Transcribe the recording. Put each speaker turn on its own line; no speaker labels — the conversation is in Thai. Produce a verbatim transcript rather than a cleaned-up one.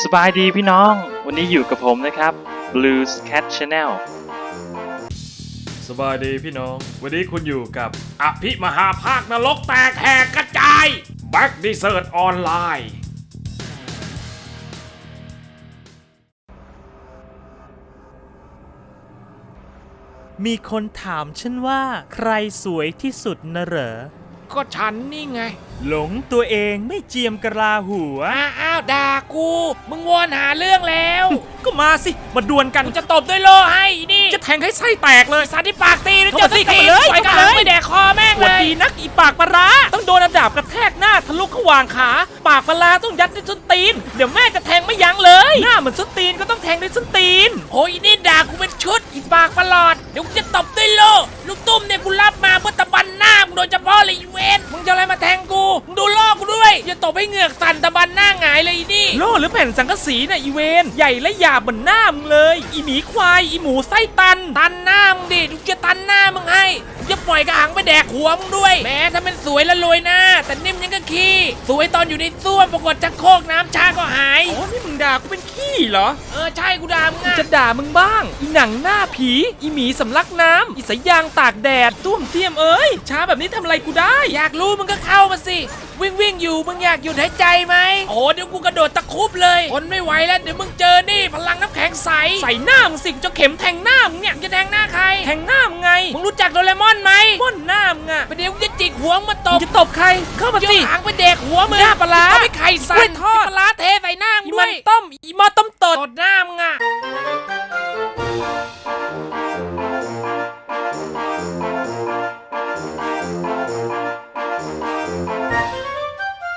สบายดีพี่น้องวันนี้อยู่กับผมนะครับ Blues Cat Channel
สบายดีพี่น้องวันนี้คุณอยู่กับอภิมหาภาคนรกแตกแหกกระจายแบ็กดิเซิร์ตออนไลน์
มีคนถามฉันว่าใครสวยที่สุดนะเหรอ
ก็ฉันนี่ไง
หลงตัวเองไม่เจียมกะลาหัว
อ้าวด่ากูมึงวนหาเรื่องแล้ว
ก็มาสิมาดวลกัน
จะตบด้วยโลให้นี่
จะแทงให้ไส้แตกเลย
สาธิปากตีแล้ว
จะตีกันเลย
ปล่อยกระหังไม่แดกคอแม่งเลย
ดีนักอีปากปลาร้าต้องโดนระดับกระแทกหน้าทะลุขวางขาปากปลาร้าต้องยัดด้วยส้นตีนเดี๋ยวแม่จะแทงไม่ยั้งเลยหน้าเหมือนส้นตีนก็ต้องแทงด้วยส้นตีน
โอ้ยนี่ด่ากูเป็นชุดอีปากประหลอดเดี๋ยวกูจะตบด้วยโลลูกตุ้มเนี่ยกูรับมาเพื่อตะบันหน้ามึงโดยเฉพาะเลยอีเวนมึงจะอะไรมาแทงกูมึงดูโลกูด้วยอย่าตบให้เหงือกสั่นตะบันหน้าหงายเลยนี่
โล่หรือแผ่นสังกะสีน่ะอีเวนใหญ่และหยาบเหมือนหน้ามึงเลยอีหมีควายอีหมูไส้ตัน
ตันหน้ามึงดิกูจะตันหน้ามึงให้กูจะปล่อยกระหังไปแดกหัวมึงด้วยแม้ถ้ามันสวยและรวยหน้าแต่นิ่มยังก็ขี้สวยตอนอยู่ในส้วมปรากฏชักโครกน้ำชาก็หาย
อ๋อนี่มึงด่ากูเป็นขี้เหรอ
เออใช่กูด่ามึงอะ
จะด่ามึงบ้างอีหนังหน้าผีอีหมีสำลักน้ำอีสายยางตากแดดต้วมเทียมเอ้ยช้าแบบนี้ทำอะไรกูได้
อยากรู้มึงก็เข้ามาสิวิ่งวิ่งอยู่มึงอยากหยุดหายใจไหมโอ้เดี๋ยวกูกระโดดตะคุบเลยทนไม่ไหวแล้วเดี๋ยวมึงเจอนี่พลังน้ำแข็งใส
ใส่หน้ามึงสิจะเข็มแทงหน้ามึงเนี่ย
จะแทงหน้าใคร
แทงหน้ามึงไง
มึงรู้จักโดเรมอนไหม
ม่อนหน้ามึงอะ
ไปเดี๋ยวกูจะจิกหัวมาตบ
จะตบใครเข้ามาสิ
หางไปเด็กหัวมึง
หน้าปลา
เอาไปไข่ใส่
ทอด
ปลาเทใส่หน้ามึงด้วย
ต้มอีมอต้มตด
ตดหน้ามึงอะ